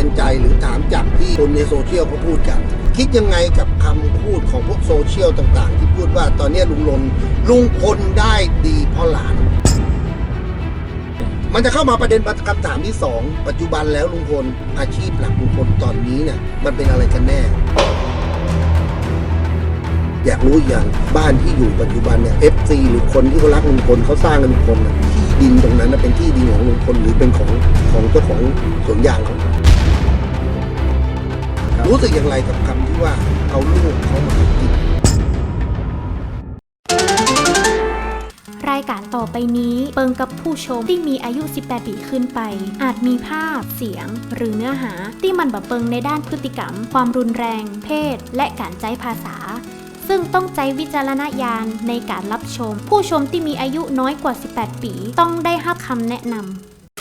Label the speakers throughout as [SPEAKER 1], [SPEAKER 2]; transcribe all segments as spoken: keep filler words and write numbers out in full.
[SPEAKER 1] นใจหรือถามจากที่คนในโซเชียลเขาพูดกันคิดยังไงกับคำพูดของพวกโซเชียลต่างๆที่พูดว่าตอนนี้ลุงลนลุงพลได้ดีเพราะหลานมันจะเข้ามาประเด็นคำถามที่สองปัจจุบันแล้วลุงพลอาชีพหลักลุงพลตอนนี้เนี่ยมันเป็นอะไรกันแน่อยากรู้อย่างบ้านที่อยู่ปัจจุบันเนี่ย เอฟ ซี หรือคนที่เขารักลุงพลเขาสร้างกันลุงพลที่ดินตรงนั้นเป็นที่ดินของลุงพลหรือเป็นของของเจ้าของสวนยางเขารู้สึกอย่างไรกับคำที่ว่าเอาลูกเขามากิน
[SPEAKER 2] รายการต่อไปนี้เปิงกับผู้ชมที่มีอายุสิบแปดปีขึ้นไปอาจมีภาพเสียงหรือเนื้อหาที่มันบ่เปิงในด้านพฤติกรรมความรุนแรงเพศและการใช้ภาษาซึ่งต้องใช้วิจารณญาณในการรับชมผู้ชมที่มีอายุน้อยกว่าสิบแปดปีต้องได้รับคำแนะนำ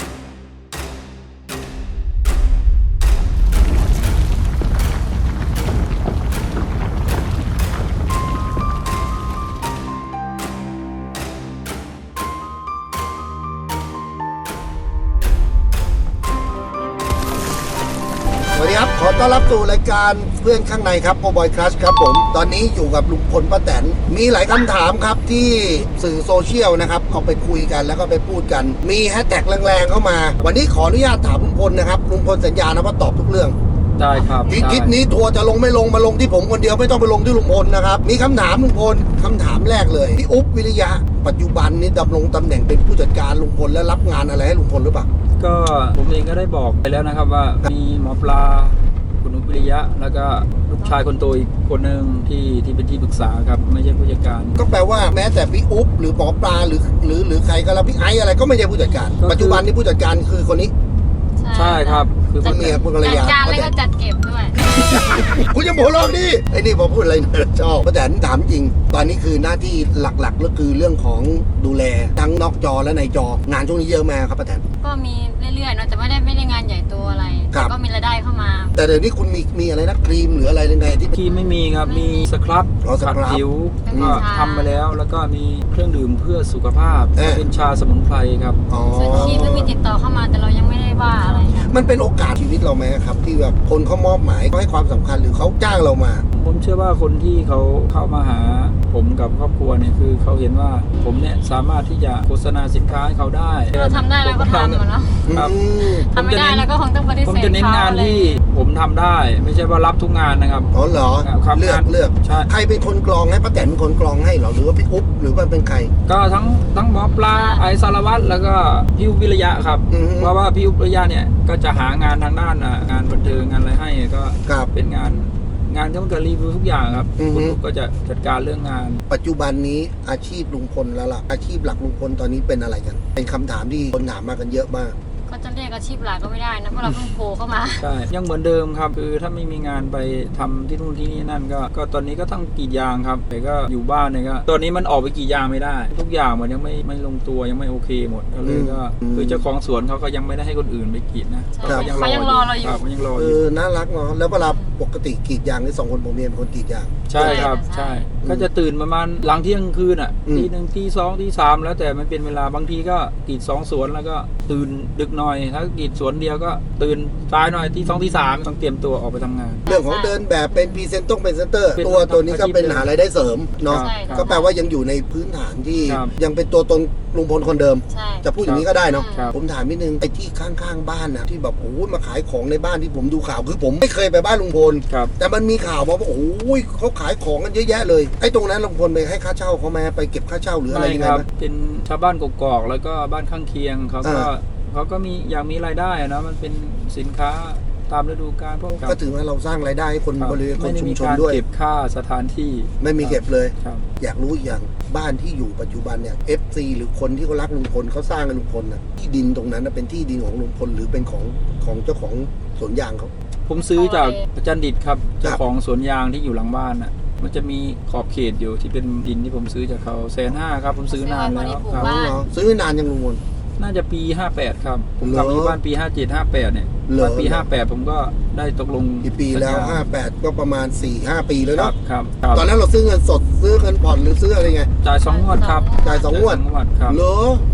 [SPEAKER 1] สวัสดีครับขอต้อนรับสู่รายการเพื่อนข้างในครับโอบอยคลัชครับผมตอนนี้อยู่กับลุงพลป้าแตนมีหลายคำถามครับที่สื่อโซเชียลนะครับเอาไปคุยกันแล้วก็ไปพูดกันมีแฮชแท็กแรงๆเข้ามาวันนี้ขออนุญาตถามลุงพลนะครับลุงพลสัญญานะว่าตอบทุกเรื่อง
[SPEAKER 3] ได้ครับ
[SPEAKER 1] ที่คลิปนี้ทัวร์จะลงไม่ลงมาลงที่ผมคนเดียวไม่ต้องไปลงที่ลุงพลนะครับมีคำถามลุงพลคำถามแรกเลยพี่อุ๊บวิริยะปัจจุบันนี้ดำรงตำแหน่งเป็นผู้จัดการลุงพลและรับงานอะไรให้ลุงพลหรือเปล่า
[SPEAKER 3] ก็ผมเองก็ได้บอกไปแล้วนะครับว่ามีหมอปลาคุณอุ๊บวิริยะแล้วก็ลูกชายคนโตอีกคนหนึ่งที่ที่เป็นที่ปรึกษาครับไม่ใช่ผู้จัดการ
[SPEAKER 1] ก็แปลว่าแม้แต่พี่อุ๊บหรือหมอปลาหรือหรือหรือใครก็แล้วพี่ไอซ์อะไรก็ไม่ใช่ผู้จัดการปัจจุบันนี้ผู้จัดการคือคนนี้
[SPEAKER 3] ใช่ครับคือ
[SPEAKER 1] เมียคุณภรรยา
[SPEAKER 4] จัดการแล้วก็จัดเก็บด้วย
[SPEAKER 1] คุณจะโมโลกดิไอ้นี่พอพูดอะไรชอบป้าแตนถามจริงตอนนี้คือหน้าที่หลักๆก็คือเรื่องของดูแลทั้งนอกจอและในจองานช่วงนี้เยอะมากครับป้าแตน
[SPEAKER 4] ก็มีเรื่อยๆเนาะแต่ไม่ได้ไม่ได้งานใหญ่โตอะไรก็มีรายได้เข้ามา
[SPEAKER 1] แต่เดี๋ยวนี้คุณมีมีอะไรนะครีมหรืออะไรในที่
[SPEAKER 3] ครีมไม่มีครับมีสครับขัดผิวก็ทำไปแล้วแล้วก็มีเครื่องดื่มเพื่อสุขภาพเป็นชาสมุนไพรครับ
[SPEAKER 4] ส่วนครีมก็มีติดต่อเข้ามาแต่เรายังไม่ได้ว่าอะไร
[SPEAKER 1] มันเป็นโอกาสชีวิตเราไหมครับที่แบบคนเขามอบหมายเขาให้ความสำคัญหรือเขาจ้างเรามา
[SPEAKER 3] ผมเชื่อว่าคนที่เขาเข้ามาหาผมกับครอบครัวเนี่ยคือเขาเห็นว่าผมเนี่ยสามารถที่จะโฆษณาสินค้าให้เขาได้
[SPEAKER 4] เราทำได้แล้วก็ทำเนาะ
[SPEAKER 3] ครับ
[SPEAKER 4] ทำไม่ได้แล้วก็คงต้องปฏิเสธ
[SPEAKER 3] ผมจะเน้นงานที่ผมทำได้ไม่ใช่ว่ารับทุกงานนะครับ
[SPEAKER 1] อ๋อเหรอเลือกเลือกใครเป็นคนกรองให้ป้าแตนเป็นคนกรองให้เหรอหรือว่าพี่อุ๊บหรือว่าเป็นใคร
[SPEAKER 3] ก็ทั้งทั้งหมอปลาไอสารวัตรแล้วก็พี่อุ๊บวิริยะครับเพราะว่าพี่อุ๊บวิริยะเนี่ยก็จะหางานทางด้านงานบันเทิงงานอะไรให้ก็เป็นงานงานที่มันก็รีวิวทุกอย่างครับคุณก็จะจัดการเรื่องงาน
[SPEAKER 1] ปัจจุบันนี้อาชีพลุงพลแล้วล่ะอาชีพหลักลุงพลตอนนี้เป็นอะไรกันเป็นคำถามที่คนถามมากันเยอะมาก
[SPEAKER 4] ก็จะเรียกอาชีพหลักก็ไม่ได้นะเพราะเราเพิ่งโผล่เข้ามา
[SPEAKER 3] ใช่ยังเหมือนเดิมครับคือถ้าไม่มีงานไปทำที่นู่นที่นี่นั่นก็ก็ตอนนี้ก็ต้องกรีดยางครับแต่ก็อยู่บ้านเนี่ยก็ตอนนี้มันออกไปกรีดยางไม่ได้ทุกอย่างมันยังไม่ไม่ลงตัวยังไม่โอเคหมดก็เลยก็คือเจ้าของสวนเขาก็ยังไม่ได้ให้คนอื่นไปกรีดนะ
[SPEAKER 4] เขายังรอเราอยู่
[SPEAKER 3] เขายังรออ
[SPEAKER 1] ยู่เออน่ารักเนาะแล้วเวลาปกติกรีดยางนี่สองคนผมเมียเป็นคนกรีดยาง
[SPEAKER 3] ใช่ครับใช่ก็จะตื่นประมาณหลังเที่ยงคืนอ่ะทีหนึ่งทีสองทีสามแล้วแต่มันเป็นเวลาบางทีก็กรีดสองสวนแล้วก็ตื่นดึกหน่อยถ้ากรีดสวนเดียวก็ตื่นสายหน่อยที่สองที่สามต้องเตรียมตัวออกไปทำงาน
[SPEAKER 1] เรื่องของเดินแบบเป็นพรีเซนต์ต้องเป็นเซนเตอร์ตัวตัวนี้ก็เป็นหารายได้เสริมเนาะก็แปลว่ายังอยู่ในพื้นฐานที่ยังเป็นตัวตนลุงพลคนเดิมจะพูดอย่างนี้ก็ได้เนาะผมถามนิดนึงไอ้ที่ข้างๆบ้านนะที่แบบโอ้ยมาขายของในบ้านที่ผมดูข่าวคือผมไม่เคยไปบ้านลุงพลแต่มันมีข่าวมาว่าโอ้ยเขาขายของกันเยอะแยะเลยไอ้ตรงนั้นลุงพลไปให้ค่าเช่าเขาไหมไปเก็บค่าเช่าหรืออะไรยังไงไหม
[SPEAKER 3] เป็นชาวบ้านกกอกแล้วก็บ้านข้างเคียงเขาก็เขาก็มีอยากมีรายได้นะมันเป็นสินค้าตามฤดูกาลพวก
[SPEAKER 1] ก็ถือว่าเราสร้างรายได้ให้คนบริเวณคนชุมชนด้วย
[SPEAKER 3] เก็บค่าสถานที่
[SPEAKER 1] ไม่มีเก็บเลยอยากรู้อย่างบ้านที่อยู่ปัจจุบันเนี่ย เอฟ ซี หรือคนที่เขารักลุงพลเขาสร้างกันลุงพลน่ะที่ดินตรงนั้นเป็นที่ดินของลุงพลหรือเป็นของของเจ้าของสวนยางเขา
[SPEAKER 3] ผมซื้อจากอาจารย์ดิษฐ์ครับเจ้าของสวนยางที่อยู่หลังบ้านน่ะมันจะมีขอบเขตอยู่ที่เป็นดินที่ผมซื้อจากเขาแสนห้าครับผมซื้อนานแล้ว
[SPEAKER 1] ครับซื้อนานยังลุงพล
[SPEAKER 3] น่าจะปีห้าสิบแปดครับผมกลับมาบ้านปีห้าสิบเจ็ด ห้าสิบแปดเนี่ยตอนปีห้าสิบแปดผมก็ได้ตกลง
[SPEAKER 1] กี่ปีแล้วห้าสิบแปดก็ประมาณ สี่ห้า ปีแล้วเนาะ
[SPEAKER 3] ครับ
[SPEAKER 1] ตอนนั้นเราซื้อเงินสดซื้อเงินผ่อนหรือซื้ออะไรไง
[SPEAKER 3] จ่ายสองงวดครับ
[SPEAKER 1] จ่ายสองงวด
[SPEAKER 3] ครับ
[SPEAKER 1] เหรอ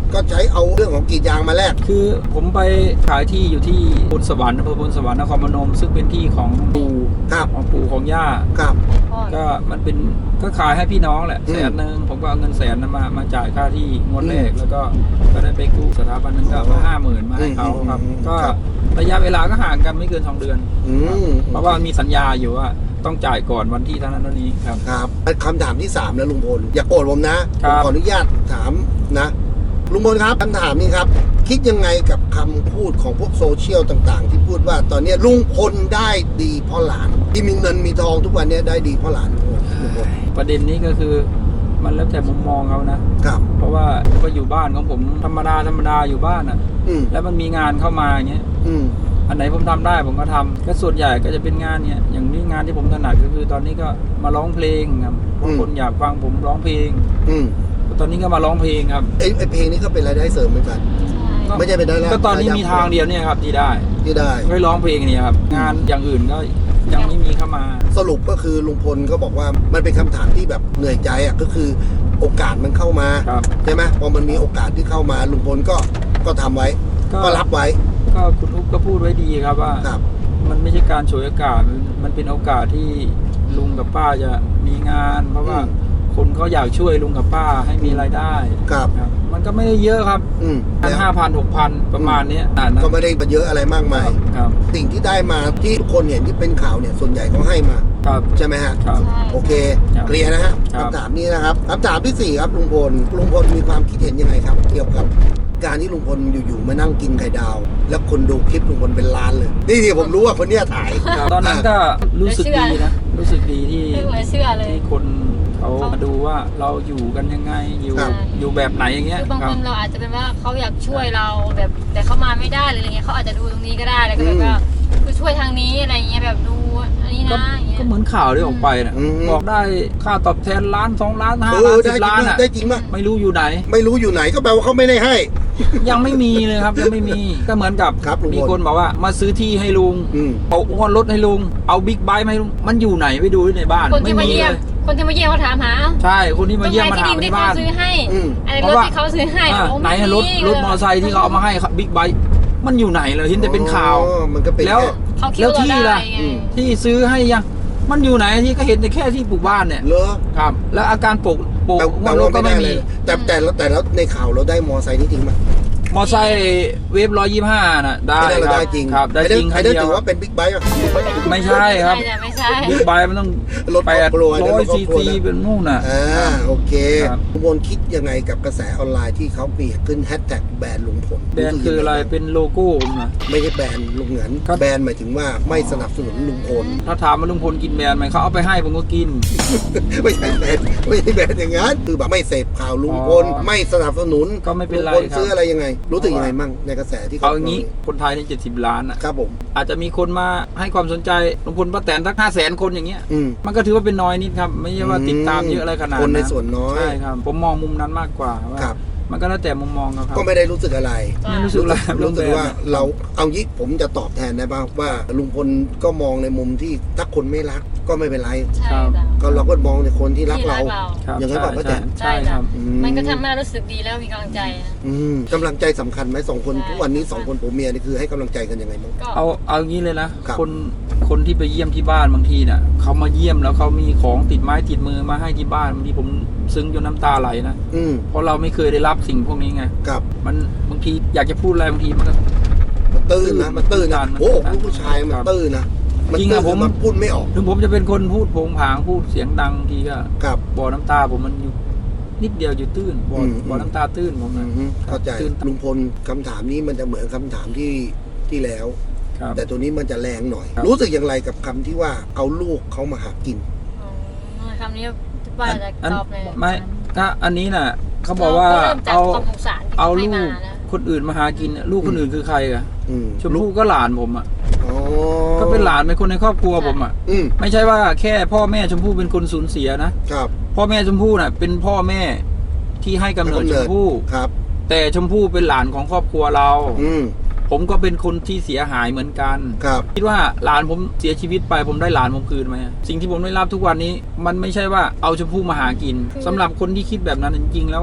[SPEAKER 1] ก็ใช้เอาเรื่องของกรีดยางมาแลก
[SPEAKER 3] คือผมไปขายที่อยู่ที่บนสวรรค์อำเภอบนสวรรค์นครพนมซึ่งเป็นที่ของปู่
[SPEAKER 1] ครับ
[SPEAKER 3] ของปู่ของย่า
[SPEAKER 1] ครับ
[SPEAKER 4] พ่อ
[SPEAKER 3] ก็มันเป็นก็ขายให้พี่น้องแหละ
[SPEAKER 1] อืม
[SPEAKER 3] แสนหนึ่งผมก็เอาเงินแสนนั้นมามาจ่ายค่าที่งวดแรกแล้วก็ก็ได้ไปกู้สถาบันนึงก็เอามาห้าหมื่นมาให้เขาครับ
[SPEAKER 1] อืม
[SPEAKER 3] ก็
[SPEAKER 1] ครับ
[SPEAKER 3] ระยะเวลาก็ห่างกันไม่เกินสองเดือน
[SPEAKER 1] อืม
[SPEAKER 3] เพราะว่ามีสัญญาอยู่ว่าต้องจ่ายก่อนวันที่เท่านั้นเท่านี้ครับ
[SPEAKER 1] ครับคำถามที่สามแล้วลุงพลอย่าโกรธผมนะ
[SPEAKER 3] ค
[SPEAKER 1] ผ
[SPEAKER 3] รั
[SPEAKER 1] ม
[SPEAKER 3] บ
[SPEAKER 1] ขออนุญาตถามนะลุงพลครับคำถามนี้ครับ คิดยังไงกับคำพูดของพวกโซเชียลต่างๆ ที่พูดว่าตอนนี้ลุงพลได้ดีเพราะหลาน ที่มีเงินมีทองทุกวันนี้ได้ดีเพราะหลานลุงพล
[SPEAKER 3] ประเด็นนี้ก็คือมันแล้วแต่มุมมองเขานะ
[SPEAKER 1] ครับ
[SPEAKER 3] เพราะว่าก็อยู่บ้านของผมธรรมดาธรรมดาอยู่บ้านอ่ะ
[SPEAKER 1] อืม
[SPEAKER 3] แล้วมันมีงานเข้ามาอย่างเงี้ย
[SPEAKER 1] อืม
[SPEAKER 3] อันไหนผมทำได้ผมก็ทำก็ส่วนใหญ่ก็จะเป็นงานเนี่ยอย่างนี้งานที่ผมถนัดก็คือตอนนี้ก็มาร้องเพลงครับเพราะคนอยากฟังผมร้องเพลง
[SPEAKER 1] อืม
[SPEAKER 3] ตอนนี้ก็มาร้องเพลงครับ
[SPEAKER 1] ไอไอเพลงนี้ก็เป็นรายได้เสริมเหมือนกัน
[SPEAKER 4] ใช่
[SPEAKER 1] ไม่ใช่เป็นรายได้
[SPEAKER 3] ก็ตอนนี้มีทางเดียวเนี่ยครับที่ได้
[SPEAKER 1] ที่ได้
[SPEAKER 3] ก็ร้องเพลงเนี่ยครับงานอย่างอื่นก็ยังไม่มีเข้ามา
[SPEAKER 1] สรุปก็คือลุงพลก็บอกว่ามันเป็นคำถามที่แบบเหนื่อยใจอ่ะก็คือโอกาสมันเข้ามา
[SPEAKER 3] ครับ
[SPEAKER 1] ใช่ไหมพอมันมีโอกาสที่เข้ามาลุงพลก็ก็ทำไว้
[SPEAKER 3] ก็
[SPEAKER 1] ก็รับไว้
[SPEAKER 3] ก็คุณอุ๊บก็พูดไว้ดีครับว่า
[SPEAKER 1] ครับ
[SPEAKER 3] มันไม่ใช่การฉวยโอกาสมันมันเป็นโอกาสที่ลุงกับป้าจะมีงาน เพราะว่า
[SPEAKER 1] อืม
[SPEAKER 3] คนเขาอยากช่วยลุงกับป้าให้มีรายได้
[SPEAKER 1] ครับ
[SPEAKER 3] ครับมันก็ไม่ได้เยอะครับ
[SPEAKER 1] อืม
[SPEAKER 3] พัน
[SPEAKER 1] แล้ว
[SPEAKER 3] ห้าพันหกพันประมาณเนี้ยอ่านนะ
[SPEAKER 1] ก็ไม่ได้เยอะอะไรมากมาย
[SPEAKER 3] ครับ
[SPEAKER 1] สิ่งที่ได้มาที่ทุกคนเห็นที่เป็นข่าวเนี่ยส่วนใหญ่เขาให้มา
[SPEAKER 3] ครับ
[SPEAKER 1] ใช่ไหมฮะ
[SPEAKER 3] ครับ
[SPEAKER 4] ใช่
[SPEAKER 1] โอเค
[SPEAKER 3] ครับ
[SPEAKER 1] เคลียร์นะฮะ
[SPEAKER 3] ครับ
[SPEAKER 1] คำถามนี้นะครับคำถามที่สี่ครับลุงพลลุงพลมีความคิดเห็นยังไงครับ เกี่ยวกับการที่ลุงพลอยู่ๆมานั่งกินไข่ดาว แล้วคนดูคลิปลุงพลเป็นล้านเลย นี่ที่ผมรู้ว่าคนเนี้ยถ่าย
[SPEAKER 3] ครับตอนนั้นก็รู้สึกดีนะรู้สึกดีที่
[SPEAKER 4] ไม่เหลือเชื่อเลย
[SPEAKER 3] ที่คนเขามาดูว่าเราอยู่กันยังไงอยู่
[SPEAKER 1] ครับ
[SPEAKER 3] อยู่แบบไหนอย่างเงี้ย
[SPEAKER 4] คือบาง
[SPEAKER 3] ครั
[SPEAKER 4] ค
[SPEAKER 3] บ
[SPEAKER 4] นเราอาจจะเป็นว่าเขาอยากช่วยเราแบบแต่เขามาไม่ได้หรืออะไรเงี้ยเขาอาจจะดูตรงนี้ก็ได้แล้วก็แบบว่าคือช่วยทางนี้อะไรเงี้ยแบบดูอันนี้
[SPEAKER 3] ก็
[SPEAKER 4] นะอย่างเงี้ย
[SPEAKER 3] ก็เหมือนข่าวที่ออกไปนะ
[SPEAKER 1] อืม
[SPEAKER 3] บอกได้ค่าตอบแทนล้านสองล้านห้า
[SPEAKER 1] เอ
[SPEAKER 3] ล้า
[SPEAKER 1] อน ได้
[SPEAKER 3] สิบ
[SPEAKER 1] จริ
[SPEAKER 3] ล้าง น
[SPEAKER 1] ไหม
[SPEAKER 3] อ่ะ
[SPEAKER 1] ได้จริงไหม
[SPEAKER 3] ไม่รู้อยู่ไหน
[SPEAKER 1] ไม่รู้อยู่ไหนก็แปลว่าเขาไม่ได้ให้
[SPEAKER 3] ยังไม่มีเลยครับ ยังไม่มีก็เหมือนกับ
[SPEAKER 1] ครับลุงพล
[SPEAKER 3] มีคนบอกว่ามาซื้อที่ให้ลุง
[SPEAKER 1] อืม
[SPEAKER 3] เอาอ้วนรถให้ลุงเอาบิ๊กไบค์มาให้ลุงมันอยู่ไหนไปดูในบ้าน
[SPEAKER 4] คนที่
[SPEAKER 3] ไม่
[SPEAKER 4] มา
[SPEAKER 3] มี
[SPEAKER 4] เยี่ย
[SPEAKER 3] เล
[SPEAKER 4] ม
[SPEAKER 3] ย
[SPEAKER 4] คนที่มาเยี่ยมเขาถามหา
[SPEAKER 3] ใช่คนที่มาเยี่ยมมา
[SPEAKER 4] ที่
[SPEAKER 3] ถาม
[SPEAKER 4] ดิน
[SPEAKER 3] ใน
[SPEAKER 4] ที่เขา
[SPEAKER 3] บ้าน
[SPEAKER 4] ซื้อให้
[SPEAKER 1] อืม
[SPEAKER 4] อะไร
[SPEAKER 3] เพ
[SPEAKER 4] ร
[SPEAKER 3] ราะ
[SPEAKER 4] ถ
[SPEAKER 3] ว่า
[SPEAKER 4] ที่เขาซื้อให้
[SPEAKER 3] อ่า
[SPEAKER 4] โอ้
[SPEAKER 3] ไหนอะรถรถมอเตอร์ไซค์ที่เขาเอามาให้บิ๊กไบค์มันอยู่ไหนเลยเห็นแต่เป็นข่าว
[SPEAKER 1] อ๋อมันก็เป็น
[SPEAKER 3] แล้ว
[SPEAKER 1] ค่
[SPEAKER 4] เขาคิด
[SPEAKER 3] แล้ว
[SPEAKER 4] ว่า
[SPEAKER 3] ที่
[SPEAKER 4] เรา
[SPEAKER 3] ล่ะ
[SPEAKER 4] ได้ไง
[SPEAKER 1] อืม
[SPEAKER 3] ที่ซื้อให้ยังมันอยู่ไหนที่ก็เห็นแต่แค่ที่ปลูกบ้านเนี่ย
[SPEAKER 1] เหรอ
[SPEAKER 3] ครับ แล้วอาการปลูกปลูก
[SPEAKER 1] แต่
[SPEAKER 3] ง
[SPEAKER 1] แต่
[SPEAKER 3] วดรถ
[SPEAKER 1] ว่า
[SPEAKER 3] ก็
[SPEAKER 1] ไม่
[SPEAKER 3] ไม่
[SPEAKER 1] ได้เล
[SPEAKER 3] มี
[SPEAKER 1] ยแต่แต่แล้วแต่แล้วในข่าวเราได้มอไซค์นี่จริงไหม
[SPEAKER 3] มอไซค์เวฟร้อยยี่ห้าน่ะได้
[SPEAKER 1] ไม่ได้เรา
[SPEAKER 3] ครั
[SPEAKER 1] ได้
[SPEAKER 3] บ
[SPEAKER 1] จริง
[SPEAKER 3] ครับได้จริง
[SPEAKER 1] ไอ้
[SPEAKER 3] คัน
[SPEAKER 1] นั่น
[SPEAKER 3] เดียว
[SPEAKER 1] ถือว่าเป็นบิ๊กไบค์ป่ะ
[SPEAKER 3] ไม่ใช่ครับ
[SPEAKER 4] ไม่ใช่ไม่ใช่
[SPEAKER 3] บิ๊กไบค์มันต้อง
[SPEAKER 1] รถค
[SPEAKER 3] แป
[SPEAKER 1] รอบ
[SPEAKER 3] ด
[SPEAKER 1] ครัว
[SPEAKER 3] ร้อย
[SPEAKER 1] รถคร
[SPEAKER 3] ซี
[SPEAKER 1] อบครัว
[SPEAKER 3] ซี
[SPEAKER 1] นะ
[SPEAKER 3] เป็นนู่นน่ะ
[SPEAKER 1] อ่าโอเค
[SPEAKER 3] ครับ
[SPEAKER 1] ลุงพลคิดยังไงกับกระแสออนไลน์ที่เขามีขึ้นแฮชแท็กแบรนด์ลุงพล
[SPEAKER 3] แบรนด์คืออะไรเป็นโลโก้ผมนะ
[SPEAKER 1] ไม่ใช่แบรนด์ลุงเหงิน
[SPEAKER 3] ครับ
[SPEAKER 1] แบรนด์หมายถึงว่าไม่สนับสนุนลุงพล
[SPEAKER 3] ถ้าถามว่าลุงพลกินแบรนด์ไหมเขาเอาไปให้ผมก็กิน
[SPEAKER 1] ไม่ใช่แบรนด์ไม่ใช่แบรนด์อย่างนั้นคือแบบไม่เสพข่าวลุงพล
[SPEAKER 3] อ๋อ
[SPEAKER 1] ไม่สนับสนุน
[SPEAKER 3] ก็ไม่เป็นไร
[SPEAKER 1] ลุงพล
[SPEAKER 3] ครับ
[SPEAKER 1] ซื้ออะไรยังไง รู้สึกยังไงมั่งในกระแสที่
[SPEAKER 3] เอาอย่างนี้คนไทยในเจ็ดสิบล้านอ่ะ
[SPEAKER 1] ครับผม
[SPEAKER 3] อาจจะมีคนมาให้ความสนใจลุงพลป้าแตนสักห้าแสนคนอย่างเงี้ย
[SPEAKER 1] อืม
[SPEAKER 3] มันก็ถือว่าเป็นน้อยนิดครับ ไม่ใช่ว่าติดตามเยอะอะไรขนาด
[SPEAKER 1] ค
[SPEAKER 3] นั้น
[SPEAKER 1] นในส่วนน้อย
[SPEAKER 3] ใช่ครับ ผมมองมุมนั้นมากกว่าว่า
[SPEAKER 1] ครับ
[SPEAKER 3] มันก็แล้วแต่มุมมองเขาครับ
[SPEAKER 1] ก็ไม่ได้รู้สึกอะไร
[SPEAKER 3] ไม่รู้สึกอะไร
[SPEAKER 1] รู้สึกว่าเราเอางี้ผมจะตอบแทนได้บ้างว่าลุงพลก็มองในมุมที่ถ้าคนไม่รักก็ไม่เป็นไร
[SPEAKER 4] ใช่จ้ะ
[SPEAKER 1] ก็เราก็มองในคนที่รักเรา
[SPEAKER 4] ที่รักเรา
[SPEAKER 3] ครับ
[SPEAKER 1] อย่างนั้นเปล่าป้าแตน
[SPEAKER 3] ใช่ครับ
[SPEAKER 1] อื
[SPEAKER 4] มันก็ทำให้เรารู้สึกดีแล้วมีกำลังใจนะ
[SPEAKER 1] อืมกำลังใจสำคัญไหมสองคน
[SPEAKER 4] ใช่
[SPEAKER 1] ทุกวันนี้สองคนผัวเมียนี่คือให้กำลังใจกันยังไงบ้าง
[SPEAKER 4] ก็
[SPEAKER 3] เอาเอาอย่างนี้เลยนะครับ คนคนที่ไปเยี่ยมที่บ้านบางทีน่ะเขามาเยี่ยมแล้วเขามีของติดไม้ติดมือมาให้ที่บ้านบางทีผมซึ้งจนน้ำตาไหลนะ
[SPEAKER 1] อืม
[SPEAKER 3] เพราะเราไม่เคยได้รับสิ่งพวกนี้ไง
[SPEAKER 1] กับ
[SPEAKER 3] มันบางทีอยากจะพูดอะไรบางทีมันก็
[SPEAKER 1] มันตื้นนะมันตื้นนะ
[SPEAKER 3] มันตื้น
[SPEAKER 1] โอ้ลูกผู้ชายมัน
[SPEAKER 3] ครับ
[SPEAKER 1] ตื้นนะมัน
[SPEAKER 3] จริง
[SPEAKER 1] ตื้
[SPEAKER 3] อะ
[SPEAKER 1] น
[SPEAKER 3] ผม
[SPEAKER 1] มันพูดไม่ออก
[SPEAKER 3] ถึงผมจะเป็นคนพูดโผงผางพูดเสียงดังบางทีก็
[SPEAKER 1] กับ
[SPEAKER 3] บ่อน้ำตาผมมันอยู่นิดเดียวอยู่ตื้นบ่อ
[SPEAKER 1] อืม
[SPEAKER 3] บ่อน้ำตาตื้นผม
[SPEAKER 1] อื
[SPEAKER 3] นะ
[SPEAKER 1] มเข้าใจ
[SPEAKER 3] ตื้น
[SPEAKER 1] ลุงพลคำถามนี้มันจะเหมือนคำถามที่ที่แล้ว
[SPEAKER 3] ครับ
[SPEAKER 1] แต่ตัวนี้มันจะแรงหน่อย
[SPEAKER 3] ครับ
[SPEAKER 1] รู้สึกอย่างไรกับคำที่ว่าเอาลูกเขามาหากิน
[SPEAKER 4] อ๋อคำนี้ป้าจะ
[SPEAKER 3] อัน
[SPEAKER 4] ตอบเลย
[SPEAKER 3] ไม่ถ้าอันนี้น่ะเขาบอกว่า
[SPEAKER 4] เริ่มจาก
[SPEAKER 3] เอา
[SPEAKER 4] ความสงสารที่
[SPEAKER 3] เอา
[SPEAKER 4] เขาให้
[SPEAKER 3] ลู
[SPEAKER 4] มาก นะ
[SPEAKER 3] คนอื่นมาหากินน่ะลูกคนอื่นคือใครอะ
[SPEAKER 1] อืม
[SPEAKER 3] ชมพู่ก็หลานผมอ่ะ
[SPEAKER 1] อ๋อ
[SPEAKER 3] ก็เป็นหลานเป็นคนในครอบครัวผมอ่ะ
[SPEAKER 1] อืม
[SPEAKER 3] ไม่ใช่ว่าแค่พ่อแม่ชมพู่เป็นคนสูญเสียนะครับ พ่อแม่ชมพู่น่ะเป็นพ่อแม่ที่ให้กำเนิดชมพู่
[SPEAKER 1] ครับ
[SPEAKER 3] แต่ชมพู่เป็นหลานของครอบครัวเรา
[SPEAKER 1] อืม
[SPEAKER 3] ผมก็เป็นคนที่เสียหายเหมือนกัน
[SPEAKER 1] ครับ
[SPEAKER 3] คิดว่าหลานผมเสียชีวิตไปผมได้หลานผมคืนไหมสิ่งที่ผมได้รับทุกวันนี้ มันไม่ใช่ว่าเอาชมพู่มาหากินสำหรับคนที่คิดแบบนั้นจริงๆแล้ว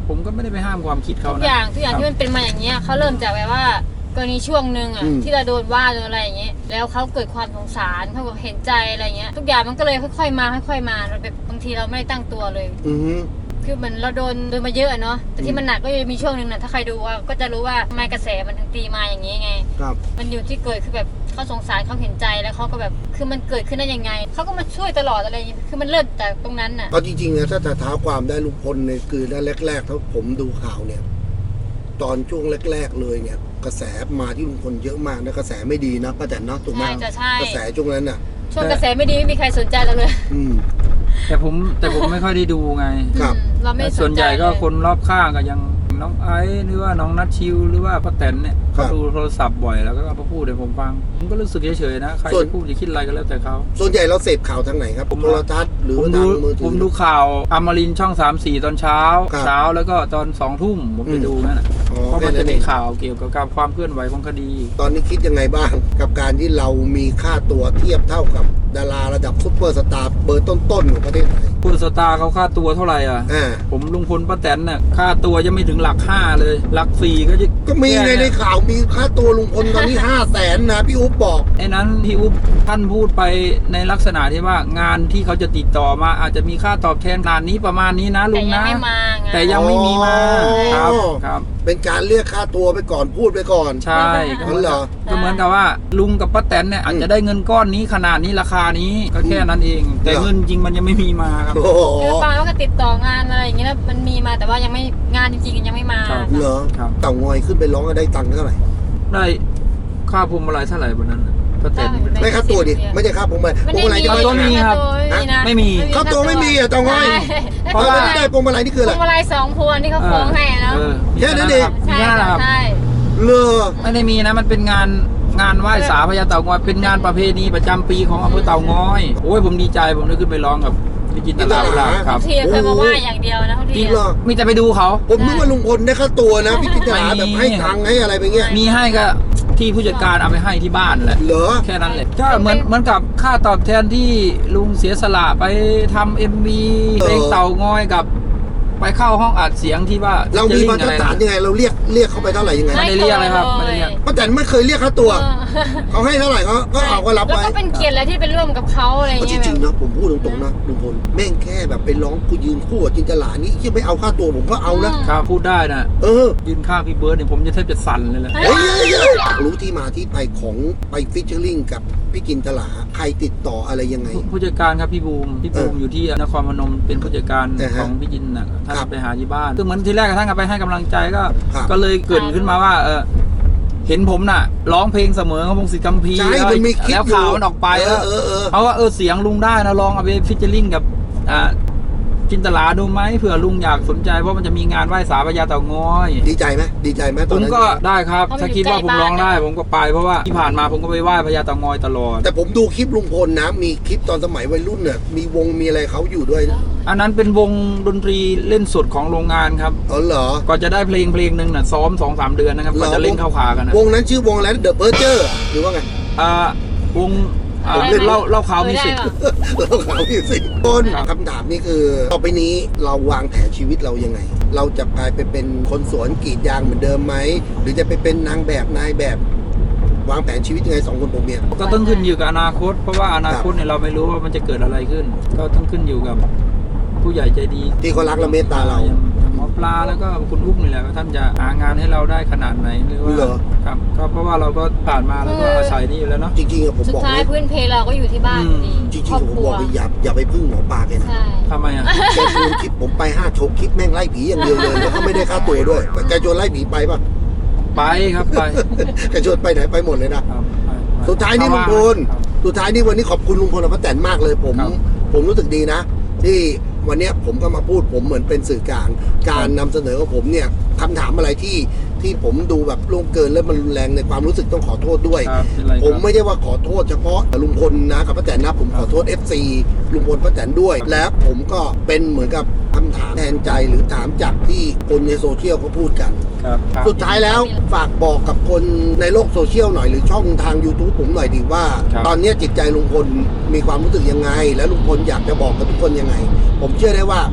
[SPEAKER 3] ผมก็ไม่ได้ไปห้ามความคิดเขา
[SPEAKER 4] ทุก
[SPEAKER 3] นะ
[SPEAKER 4] อย่างทุกอย่างที่มันเป็นมาอย่างเงี้ยเขาเริ่มจากแบบว่ากรณีช่วงหนึ่งอ่ะ
[SPEAKER 1] อืม
[SPEAKER 4] ที่เราโดนว่าโดนอะไรอย่างเงี้ยแล้วเขาเกิดความสงสารเขาบอกเห็นใจอะไรเงี้ยทุกอย่างมันก็เลยค่อยๆมาค่อยๆมาเราแบบบางทีเราไม่ได้ตั้งตัวเลย
[SPEAKER 1] อือฮึ
[SPEAKER 4] คือเหมือนเราโดนโดนมาเยอะอะเนาะแต่ที่มันหนักก็จะมีช่วงหนึ่งนะถ้าใครดูว่าก็จะรู้ว่าทำไมกระแสมันถึงตีมาอย่างนี้ไง
[SPEAKER 1] ครับ
[SPEAKER 4] มันอยู่ที่เกิดคือแบบเขาสงสารเขาเห็นใจแล้วเขาก็แบบคือมันเกิดขึ้นได้ยังไงเขาก็มาช่วยตลอดอะไรอย่างเงี้ยคือมันเริ่มจากตรงนั้นน่ะ
[SPEAKER 1] เอาจริงๆนะถ้าจะเท้าความได้ลุงพลในคือแรกๆถ้าผมดูข่าวเนี่ย ตอนช่วงแรก ๆเลยเนี่ย กระแสมาที่ลุงพลเยอะมากนะกระแสไม่ดีนะป้าแตนเนาะถูกไหม
[SPEAKER 4] ใช่จะใช่
[SPEAKER 1] กระแสช่วงนั้นน่ะ
[SPEAKER 4] ช่วงกระแสไม่ดีไม่มีใครสนใจเราเลย
[SPEAKER 1] อืม
[SPEAKER 3] แต่ผมแต่ผมไม่ค่อยได้ดูไง
[SPEAKER 1] ครับ
[SPEAKER 4] อืมเราไม่สนใจ
[SPEAKER 3] ส่วนใหญ่ก็
[SPEAKER 4] เลย
[SPEAKER 3] คนรอบข้างก็ยังน้องไอซ์หรือว่าน้องนัทชิวหรือว่าป้าแตนเนี่ย
[SPEAKER 1] ครั
[SPEAKER 3] เขา
[SPEAKER 1] บ
[SPEAKER 3] ดูโทรศัพท์บ่อยแล้วก็เอามาพูดให้ผมฟังผมก็รู้สึกเฉยๆนะใคร
[SPEAKER 1] ส่วน
[SPEAKER 3] จะพูดจะคิดอะไรก็แล้วแต่เขา
[SPEAKER 1] ส่วนใหญ่เราเสพข่าวทางไหนครับ
[SPEAKER 3] ผม
[SPEAKER 1] โทรทัศน์หรือ
[SPEAKER 3] ผม
[SPEAKER 1] ว่า
[SPEAKER 3] ดู
[SPEAKER 1] ทางมือถื
[SPEAKER 3] ผ
[SPEAKER 1] อ
[SPEAKER 3] มดูข่าวอมรินทร์ช่องสามสี่ตอนเช้า
[SPEAKER 1] ครับ
[SPEAKER 3] เช้าแล้วก็ตอนสองทุ่มผมจะดูนั่นแหละ
[SPEAKER 1] อ๋อ
[SPEAKER 3] เพราะ
[SPEAKER 1] แค่
[SPEAKER 3] มัน
[SPEAKER 1] นั้
[SPEAKER 3] จะ
[SPEAKER 1] นเอ
[SPEAKER 3] มี
[SPEAKER 1] ง
[SPEAKER 3] ข่าวเกี่ยวกับการความเคลื่อนไหวของคดี
[SPEAKER 1] ตอนนี้คิดยังไงบ้าง กับการที่เรามีค่าตัวเทียบเท่ากับดาราระดับซุปเปอร์สตาร์เบอร์ต้นๆของประเทศไทย
[SPEAKER 3] คุณสตาร์เขาค่าตัวเท่าไหร่อ่ะ
[SPEAKER 1] อ่า
[SPEAKER 3] ผมลุงพลป้าแตนเนี่ยค่าตัวยังไม่ถึงหลักห้าเลยหลักสี่ก็จะ
[SPEAKER 1] ก็มีไง
[SPEAKER 3] แค่
[SPEAKER 1] ใน
[SPEAKER 3] เนี่ย
[SPEAKER 1] ข่าวมีค่าตัวลุงพลตอนนี้ ห้าแสนนะพี่อุ๊บบอก
[SPEAKER 3] ไอ้นั้นพี่อุ๊บท่านพูดไปในลักษณะที่ว่างานที่เขาจะติดต่อมาอาจจะมีค่าตอบแทนขนาดนี้ประมาณนี้นะลุ
[SPEAKER 4] แต่
[SPEAKER 3] ง
[SPEAKER 4] ยัง
[SPEAKER 3] นะ
[SPEAKER 4] ไม่มาไง
[SPEAKER 3] แต่ยังไม่มีมา
[SPEAKER 1] อ๋อ
[SPEAKER 3] ครับครับ
[SPEAKER 1] เป็นการเรียกค่าตัวไปก่อนพูดไปก่อน
[SPEAKER 3] ใช่ก็
[SPEAKER 1] อ๋อเหรอ
[SPEAKER 3] ก็เหมือนกับว่าลุงกับป้าแตนเนี่ยอาจจะได้เงินก้อนนี้ขนาดนี้ราคานี้ก็แค่นั้นเอง แต่
[SPEAKER 1] เหรอ
[SPEAKER 3] เงินจริงมันยังไม่มีมาครับ
[SPEAKER 1] โอ้โห
[SPEAKER 4] คือปาว่าก็ติดต่องานอะไรอย่างเงี้ยแล้วมันมีมาแต่ว่ายังไม่งานจริงๆยังไม่มา
[SPEAKER 3] ครับ
[SPEAKER 1] เหรอ
[SPEAKER 3] ครับ
[SPEAKER 1] เต่างอยขึ้นไปร้องก็ได้ตังค์เท่าไหร่
[SPEAKER 3] ได้ค่าพวงมาลัยเท่าไหร่บนนั้นน่ะป้าแตนนี่เป็น
[SPEAKER 1] ได้ค่าตัวดิ ไม่ใช่ค่าผมไป
[SPEAKER 4] ไม่
[SPEAKER 1] พวง
[SPEAKER 4] ได้
[SPEAKER 1] มาลัย
[SPEAKER 4] มี
[SPEAKER 1] จะไม่
[SPEAKER 3] ค่าตัวมีครับ
[SPEAKER 4] ค่าตัวนะ
[SPEAKER 3] ไม่มี
[SPEAKER 1] ค่าตัวไม่มีอ่ะเต่างอย
[SPEAKER 4] ใช่
[SPEAKER 1] เพราะว่าไม่ได้พวงมาลัยนี่คือ
[SPEAKER 4] พ
[SPEAKER 1] อะไร
[SPEAKER 4] วงมาลัยสองพวงที่เขาฟ้องให้อะเนาะ
[SPEAKER 3] เออ
[SPEAKER 1] แค่นั้นเอง
[SPEAKER 3] มี
[SPEAKER 4] ใช่
[SPEAKER 3] แค่นั้นแหละครับ
[SPEAKER 4] ใช่
[SPEAKER 1] เลอ
[SPEAKER 3] ไม่ได้มีนะมันเป็นงานงานไหว้สาพญาเต่างอยเป็นงานประเพณีประจำปีของอำเภอเต่างอยโอ้ยผมดีใจผมได้ขึ้นไปร้องกับพี่จินตลาเวลาครับ
[SPEAKER 4] ทีเคยมาว่าอย่างเดียวนะทุก
[SPEAKER 1] จ
[SPEAKER 4] ที
[SPEAKER 1] ริงเหรอ
[SPEAKER 3] มีแต่ไปดูเขา
[SPEAKER 1] ผมนึกว่าลุงพลได้ค่าตัวนะ พี่พิจารณาแบบให้ตังค์ให้อะไรไปเงี้ย
[SPEAKER 3] มีให้ก็ที่ผู้จัดการเอาไปให้ที่บ้านแหละ
[SPEAKER 1] เหรอ
[SPEAKER 3] แค่นั้นแหละก็เหมือนเหมือนกับค่าตอบแทนที่ลุงเสียสละไปทำเอ็มวีเพลงเต่างอยกับ ไปเข้าห้องอัดเสียงที่ว่า
[SPEAKER 1] เรามีมาตรฐานยังไงเราเรียกเรียกเขาไปเท่าไหร่ยังไง
[SPEAKER 3] ไม่ได้เรียกเลยครับไม่ได้เรียก
[SPEAKER 1] ป้าแตนไม่เคยเรียกค่าตัว เขาให้เท่าไหร่เขาก็เอาก็รับ
[SPEAKER 4] แล้ว
[SPEAKER 1] ไว้
[SPEAKER 4] ก็เป็นเกียรติแล้วที่ไปร่วมกับเขาอะไร
[SPEAKER 1] เอา
[SPEAKER 4] เงี้
[SPEAKER 1] จ
[SPEAKER 4] ย
[SPEAKER 1] ริงๆนะผมพูดตรงๆนะลุงพลแม่งแค่แบบไปร้องกูยืนคู่กับจินตลานี่ที่ไม่เอาค่าตัวผมก็เอานะครับ
[SPEAKER 3] พูดได้นะ
[SPEAKER 1] เออ
[SPEAKER 3] ยืนข้างพี่เบิร์ดเนี่ยผมจะแทบจะสั่นเลยแหละ
[SPEAKER 1] เฮ้ยเฮ้ยเฮ้ยรู้ที่มาที่ไปของไปฟิชเชอร์ลิงกับพี่จินตลาใครติดต่ออะไรยังไง
[SPEAKER 3] ผู้จัดการครับพี่บูมพี่บูม
[SPEAKER 1] เออ
[SPEAKER 3] อ
[SPEAKER 1] อยู่
[SPEAKER 3] ที่นครพนมเป็นผู้จัดการ
[SPEAKER 1] อ่าฮะ
[SPEAKER 3] ของพี่จินนะท่าน
[SPEAKER 1] ครับ
[SPEAKER 3] ไปหาที่บ้านคือเหมือนที่แรกท่านก็ไปให้กำลังใจก็
[SPEAKER 1] ครับ
[SPEAKER 3] ก็เลยเกริดขึ้นมาว่าเออเห็นผมน่ะร้องเพลงเสมอของพงศิษฐ์กัมพีร์
[SPEAKER 1] ใช่
[SPEAKER 3] แล้ว
[SPEAKER 1] มันมีคลิป
[SPEAKER 3] แล้ว
[SPEAKER 1] อยู่
[SPEAKER 3] ข่าวมันออกไป
[SPEAKER 1] เอ
[SPEAKER 3] แล้
[SPEAKER 1] อ
[SPEAKER 3] ว
[SPEAKER 1] เออเออ
[SPEAKER 3] เพราะว่าเออเสียงลุงได้นะลองเอาไปฟิชเจอริงกับอ่าจินตลาดูไหมเผื่อลุงอยากสนใจเพราะมันจะมีงานไหว้สาพญาเต่างอย
[SPEAKER 1] ดีใจไหมดีใจไหมต
[SPEAKER 3] ผ
[SPEAKER 1] อน
[SPEAKER 3] ม
[SPEAKER 1] นั้น
[SPEAKER 3] ก็ได้ครับ
[SPEAKER 4] เพราะมัน
[SPEAKER 3] ถ้าคิดว่าผมร้องได้ ผมก็ไปเพราะว่าที่ผ่านมาผมก็ไปไหว้พญาเต่างอยตลอด
[SPEAKER 1] แต่ผมดูคลิปลุงพลนะ มีคลิปตอนสมัยวัยรุ่นเนี่ยมีวงมีอะไรเขาอยู่ด้วยนะ
[SPEAKER 3] อันนั้นเป็นวงดนตรีเล่นสดของโรงงานครับ
[SPEAKER 1] อ๋อเหรอ
[SPEAKER 3] ก่อนจะได้เพลงเพลงหนึ่งน่ะซ้อมสองสามเดือนนะครับ
[SPEAKER 1] เหรอ
[SPEAKER 3] ก่อนจะเล่นเข้าขากันนะ
[SPEAKER 1] วงนั้นชื่อวงอะไรเดอะเพิร์เจอร์หรือว่าไง
[SPEAKER 3] อ่าวงอ่า
[SPEAKER 1] ผมเล่น
[SPEAKER 3] เล่าเล่าข่าวมิวสิก
[SPEAKER 1] เราเขาพี่สิคนคำถามนี่คือ ต่อไปนี้เราวางแผนชีวิตเรายังไง เราจะกลายไปเป็นคนสวนกรีดยางเหมือนเดิมไหม หรือจะไปเป็นนางแบบนายแบบ วางแผนชีวิตยังไงสองคนผมเนี่ย
[SPEAKER 3] ก็ต้องขึ้นอยู่กับอนาคต เพราะว่าอนาคตเนี่ยเราไม่รู้ว่ามันจะเกิดอะไรขึ้น ก็ต้องขึ้นอยู่กับผู้ใหญ่ใจดี
[SPEAKER 1] ที่เขารักและเมตตาเรา
[SPEAKER 3] อย่างหมอปลาแล้วก็คุณอุ้มนี่แหละว่าท่านจะหางานให้เราได้ขนาดไหนหรือว่า
[SPEAKER 1] เหรอ
[SPEAKER 3] ครับก็เพราะว่าเราก็ผ่านมาแล้วก็อาศัยนี่อยู่แล้วเนาะ
[SPEAKER 1] จริงๆอะผม
[SPEAKER 4] สุด
[SPEAKER 1] บอก
[SPEAKER 4] ท้าย
[SPEAKER 1] เลย
[SPEAKER 4] พื้นเพเราก็อยู่ที่บ้านอยู่ดี
[SPEAKER 1] จริง
[SPEAKER 4] ครอบ
[SPEAKER 1] ๆผม
[SPEAKER 4] ครั
[SPEAKER 1] บ
[SPEAKER 4] ว
[SPEAKER 1] อกเลยอย่าอย่าไปพึ่งหมอปลาแกนะ
[SPEAKER 4] ใช่
[SPEAKER 3] ทำไมอ่ะ
[SPEAKER 1] แกชวนคลิปผมไปห้าโชว์คลิปแม่งไล่ผีอย่างเดียวเลยแล้วก็ไม่ได้ค่าตัวด้วยแต่แกชวนไล่ผีไปป่ะ
[SPEAKER 3] ไปครับไป
[SPEAKER 1] แกชวนไปไหนไปหมดเลยนะ
[SPEAKER 3] ครับไปไป
[SPEAKER 1] สุดท้ายนี่ลุงพล
[SPEAKER 3] ครับ
[SPEAKER 1] สุดท้ายนี่วันนี้ขอบคุณลุงพลและป้าแตนมากเลยผม
[SPEAKER 3] ครับ
[SPEAKER 1] ผมรู้สึกดีนะ ที่วันเนี้ยผมก็มาพูดผมเหมือนเป็นสื่อกลางการนำเสนอของผมเนี่ยคำถามอะไรที่ที่ผมดูแบบล่วงเกินและมันรุนแรงในความรู้สึกต้องขอโทษด้วย
[SPEAKER 3] ครับเป็นไรครับ
[SPEAKER 1] ผมไม่ได้ว่าขอโทษเฉพาะลุงพลนะกับป้าแตนนะผมขอโทษ เอฟ ซี ลุงพลป้าแตนด้วย และผมก็เป็นเหมือนกับคำถามแทนใจหรือถามจากที่คนในโซเชียลเขาพูดกัน
[SPEAKER 3] ครับครับ
[SPEAKER 1] สุดท้ายแล้วฝากบอกกับคนในโลกโซเชียลหน่อยหรือช่องทาง YouTube ผมหน่อยดีว่า
[SPEAKER 3] ครับ
[SPEAKER 1] ตอนนี้จิตใจลุงพลมีความรู้สึกยังไง และลุงพลอยากจะบอกกับทุกคนยังไง ผมเชื่อได้ว่า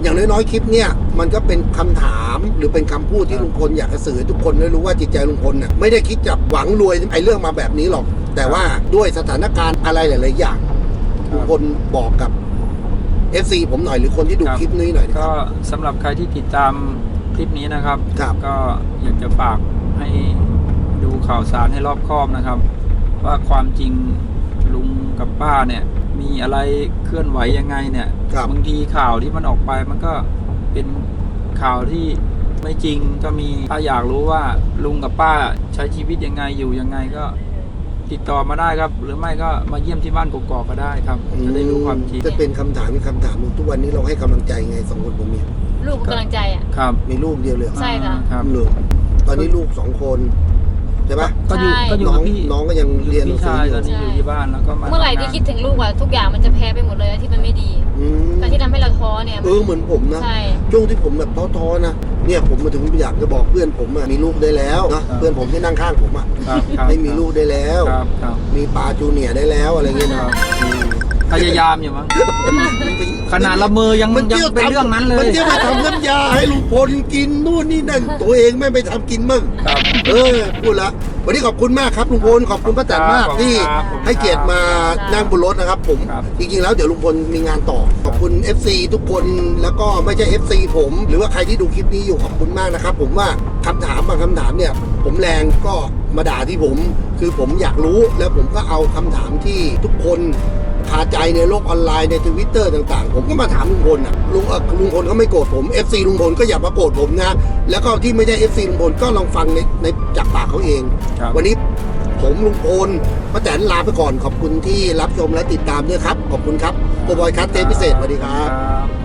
[SPEAKER 1] อย่างน้อยๆคลิปเนี่ยมันก็เป็นคำถามหรือเป็นคำพูดที่ลุงพลอยากจะสื่อให้ทุกคนได้รู้ว่าจิตใจลุงพลน่ะไม่ได้คิดจะหวังรวยไอ้เรื่องมาแบบนี้หรอก แต่ว่าด้วยสถานการณ์อะไรหลายๆอย่างลุงพลบอกกับ เอฟ ซี ผมหน่อยหรือคนที่ดูคลิปนี้หน่อยนะค
[SPEAKER 3] ก็
[SPEAKER 1] รับ
[SPEAKER 3] สำหรับใครที่ติดตามคลิปนี้นะครับ
[SPEAKER 1] ครับ
[SPEAKER 3] ก็อยากจะฝากให้ดูข่าวสารให้รอบคอบนะครับ ว่าความจริงลุงกับป้าเนี่ยมีอะไรเคลื่อนไหวยังไงเนี่ย
[SPEAKER 1] ครับ
[SPEAKER 3] บางทีข่าวที่มันออกไปมันก็เป็นข่าวที่ไม่จริงก็มีถ้าอยากรู้ว่าลุงกับป้าใช้ชีวิตยังไงอยู่ยังไงก็ติดต่อมาได้ครับ หรือไม่ก็มาเยี่ยมที่บ้านกกอกก็ได้ครับจะได้รู้ความจริง
[SPEAKER 1] จะเป็นคำถามเป็นคำถามทุกวันนี้เราให้กำลังใจไงสองคนผมมี
[SPEAKER 4] ลูกกำลังใจอ่ะ
[SPEAKER 3] ครับ
[SPEAKER 1] มีลูกเดียวเลยเหรอ
[SPEAKER 4] ใช่ค่ะ
[SPEAKER 3] ครับ
[SPEAKER 1] เหรอตอนนี้ลูกสองคนใช่ปะ
[SPEAKER 3] ก็อยู่
[SPEAKER 4] ใช่
[SPEAKER 3] ก็อยู่
[SPEAKER 1] น้อ
[SPEAKER 3] กับ
[SPEAKER 1] ง
[SPEAKER 3] พี่
[SPEAKER 1] น้องก็ยังเรียนหนั
[SPEAKER 3] พี่
[SPEAKER 1] งสือ
[SPEAKER 3] ชาย
[SPEAKER 1] อยู่
[SPEAKER 3] ตอนนี้อยู่ที่บ้านแล้วก็มา
[SPEAKER 4] เมื่อไหร่ที่คิดถึงลูกอะทุกอย่างมันจะแพ้ไปหมดเลยที่มันไม่ดี
[SPEAKER 1] อืม
[SPEAKER 4] การที่ทำให้เราท้อเนี่ย
[SPEAKER 1] เออเหมือนผมนะ
[SPEAKER 4] ใช่
[SPEAKER 1] ช่วงที่ผมแบบท้อๆนะเนี่ยผมมาถึงอยากจะบอกเพื่อนผมอะมีลูกได้แล้วนะเพื่อนผมที่นั่งข้างผมอะ
[SPEAKER 3] ครับครับ
[SPEAKER 1] ไม่มีลูกได้แล้ว
[SPEAKER 3] ครับครับ
[SPEAKER 1] มีปลาจูเนียร์ได้แล้วอะไรเงี้ย
[SPEAKER 3] ค
[SPEAKER 1] นะ
[SPEAKER 3] รับพยายามอยู่มั้งขนาดละเมอยัง
[SPEAKER 1] มัน
[SPEAKER 3] ยัง
[SPEAKER 1] เที่ยว
[SPEAKER 3] เป็นเรื่องนั้นเล
[SPEAKER 1] มัน
[SPEAKER 3] ย
[SPEAKER 1] เที่ยวไปทำน้ำยาให้ลุงพลกินนู่นนี่นั่นตัวเองไม่ไปทำกินมั่ง
[SPEAKER 3] ครับ
[SPEAKER 1] เออพูดละวันนี้ขอบคุณมากครับลุงพลขอบคุณป้าแตนมาก
[SPEAKER 3] ครับ
[SPEAKER 1] ที่
[SPEAKER 3] ครับ
[SPEAKER 1] ให้เกียรติมานั่งบนรถนะครับ ผม
[SPEAKER 3] ครับ
[SPEAKER 1] จริงๆแล้วเดี๋ยวลุงพลมีงานต่อขอบคุณ เอฟ ซี ทุกคนแล้วก็ไม่ใช่ เอฟ ซี ผม หรือว่าใครที่ดูคลิปนี้อยู่ขอบคุณมากนะครับ ผมว่าคำถามบางคำถามเนี่ย ผมแรงก็มาด่าที่ผม คือผมอยากรู้แล้วผมก็เอาคำถามที่ทุกคนคาใจในโลกออนไลน์ในทวิตเตอร์ต่างๆ ผมก็มาถามลุงพลอ่ะลุงเอ่อลุงพลเขาไม่โกรธผม เอฟ ซี ลุงพลก็อย่ามาโกรธผมนะแล้วก็ที่ไม่ใช่ เอฟ ซี ลุงพลก็ลองฟังในในจากปากเขาเอง
[SPEAKER 3] ครับ
[SPEAKER 1] วันนี้ผมลุงพลป้าแตนลาไปก่อนขอบคุณที่รับชมและติดตามด้วยครับ ขอบคุณครับโกบอยคัทเทปพิเศษสวัสดีครับ
[SPEAKER 3] ครับ